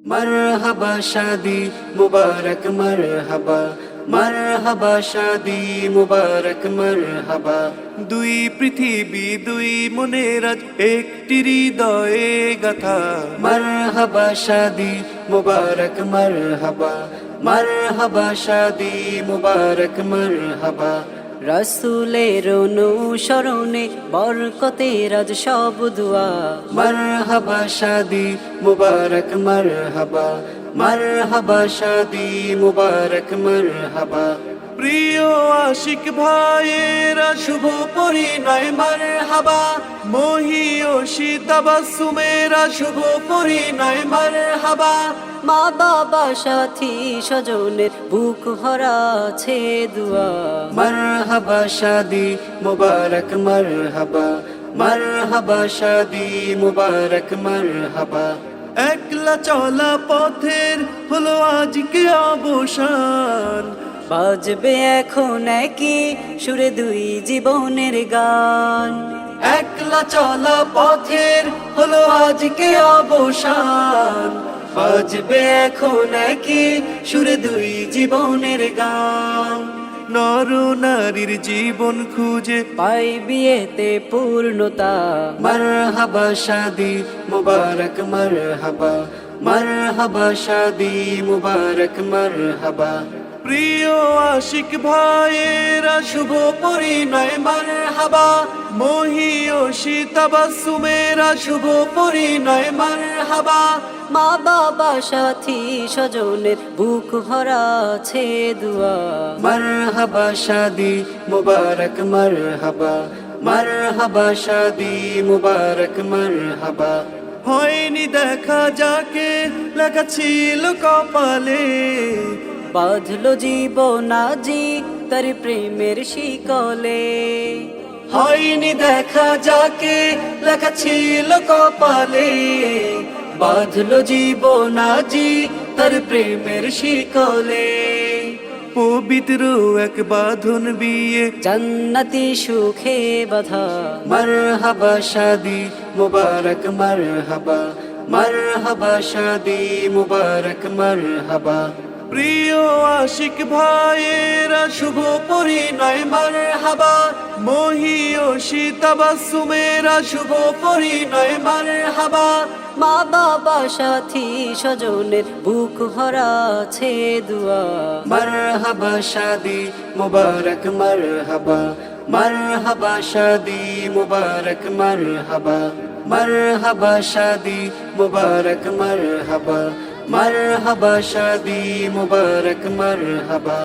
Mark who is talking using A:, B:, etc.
A: मरहबा शादी मुबारक मरहबा मरहबा शादी मुबारक मरहबा দুই পৃথিবী দুই মনের আজ একটি হৃদয়ে গাথা মরহবা শাদি মুবারক মরহবা মরহবা শাদি মুবারক মরহবা
B: রাসূলের অনুসরণে বরকতের আজ সব দুয়া
A: मरहबा शादी मुबारक मरहबा मरहबा शादी मुबारक मरहबा প্রিয় আশিক ভাইয়েরা শুভ পরিণয় মারহাবা মহিয়সী তাবাসসুমেরা শুভ পরিণয় মারহাবা
B: মা বাবা সাথী স্বজনের বুক ভরা আছে দুয়া
A: मरहबा शादी मुबारक मरहबा मरहबा शादी मुबारक मरहबा একলা চলা পথের হলো আজকে অবসান
B: বাজবে এখন একই সুরে দুই জীবনের গান
A: একলা চলা পথের হলো আজকে অবসান বাজবে এখন একই সুরে দুই জীবনের গান নর নারীর জীবন খুঁজে
B: পাই বিয়েতে পূর্ণতা
A: मरहबा शादी मुबारक मरहबा मरहबा शादी मुबारक मरहबा প্রিয় আশিক ভাইয়েরা শুভ পরিণয় মারহাবা মহিয়সী তাবাসসুমেরা শুভ পরিণয় মারহাবা
B: মা বাবা সাথী স্বজনের বুক ভরা আছে দুয়া
A: मरहबा शादी मुबारक मरहबा मरहबा शादी मुबारक मरहबा হয়নি দেখা যাকে লেখা ছিল কপালে
B: বাঁধলো জীবন আজি তার প্রেমের শিকলে
A: হয়নি দেখা যাকে লেখা ছিল কপালে বাঁধলো জীবন আজি তার প্রেমের শিকলে পবিত্র এক বাঁধন বিয়ে
B: জান্নাতি সুখে বাধা
A: मरहबा शादी मुबारक मरहबा मरहबा शादी मुबारक मरहबा প্রিয় আশিক ভাইয়েরা শুভ পরিণয় মারহাবা মহিয়সী তাবাসসুমেরা শুভ পরিণয় মারহাবা
B: মা বাবা সাথী স্বজনের বুক ভরা আছে দুয়া
A: मरहबा शादी मुबारक मरहबा मरहबा शादी मुबारक मरहबा मरहबा शादी मुबारक मरहबा मरहबा शादी मुबारक मरहबा